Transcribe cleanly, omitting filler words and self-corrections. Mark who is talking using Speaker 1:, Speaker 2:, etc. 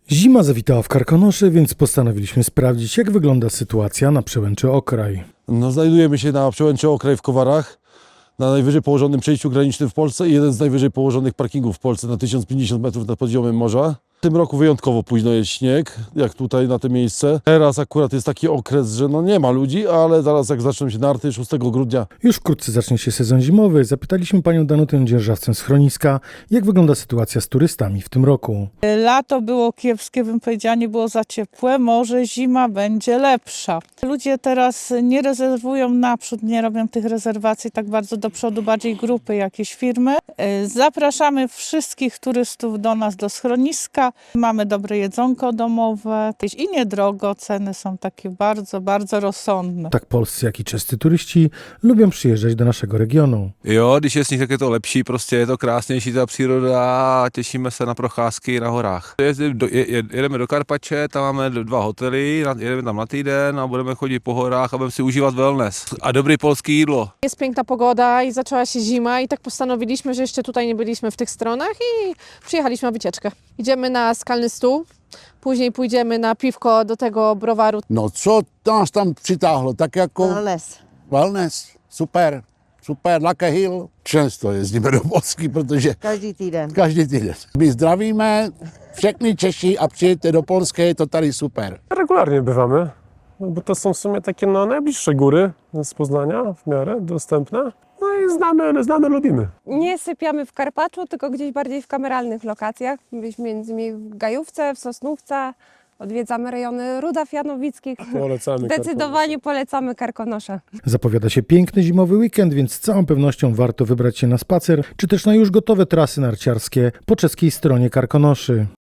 Speaker 1: Zima zawitała w Karkonosze, więc postanowiliśmy sprawdzić, jak wygląda sytuacja na przełęczy Okraj.
Speaker 2: No, znajdujemy się na przełęczy Okraj w Kowarach, na najwyżej położonym przejściu granicznym w Polsce i jeden z najwyżej położonych parkingów w Polsce na 1050 metrów nad poziomem morza. W tym roku wyjątkowo późno jest śnieg, jak tutaj na to miejsce. Teraz akurat jest taki okres, że no nie ma ludzi, ale zaraz jak zaczną się narty 6 grudnia.
Speaker 1: Już wkrótce zacznie się sezon zimowy. Zapytaliśmy panią Danutę Dzierżawcę z Chroniska, jak wygląda sytuacja z turystami w tym roku.
Speaker 3: Lato było kiepskie, bym powiedziała, nie było za ciepłe, może zima będzie lepsza. Ludzie teraz nie rezerwują naprzód, nie robią tych rezerwacji tak bardzo do przodu, bardziej grupy, jakieś firmy. Zapraszamy wszystkich turystów do nas, do Schroniska. Mamy dobre jedzonko domowe i niedrogo, ceny są takie bardzo, bardzo rozsądne.
Speaker 1: Tak polscy, jak i czescy turyści lubią przyjeżdżać do naszego regionu.
Speaker 4: Jo, když je sníh, tak je to lepší, prostě je to krásnější ta příroda a těšíme se na procházky na horách. Jedeme do Karpače, tam máme 2 hotely, jedeme tam na týden a budeme chodit po horách a budeme si užívat wellness a dobrý polský jídlo.
Speaker 5: Jest piękna pogoda i zaczęła się zima i tak postanowiliśmy, że jeszcze tutaj nie byliśmy w tych stronach i przyjechaliśmy na wycieczkę. Idziemy na Skalny Stół, później pójdziemy na piwko do tego browaru.
Speaker 6: No co nás tam přitáhlo, tak jako wellness, super, Lucky Hill. Często jezdíme do Polski, protože
Speaker 7: Každý týden.
Speaker 6: každý týden. My zdravíme všechny Češi a přijďte do Polska, je to tady super.
Speaker 8: Regularnie bywamy, bo to są w sumie takie najbliższe góry z Poznania, w miarę dostępne. No i znamy, lubimy.
Speaker 9: Nie sypiamy w Karpaczu, tylko gdzieś bardziej w kameralnych lokacjach. Byliśmy między innymi w Gajówce, w Sosnówce. Odwiedzamy rejony Rudaw Janowickich.
Speaker 8: Polecamy
Speaker 9: Zdecydowanie polecamy Karkonosze.
Speaker 1: Zapowiada się piękny zimowy weekend, więc z całą pewnością warto wybrać się na spacer, czy też na już gotowe trasy narciarskie po czeskiej stronie Karkonoszy.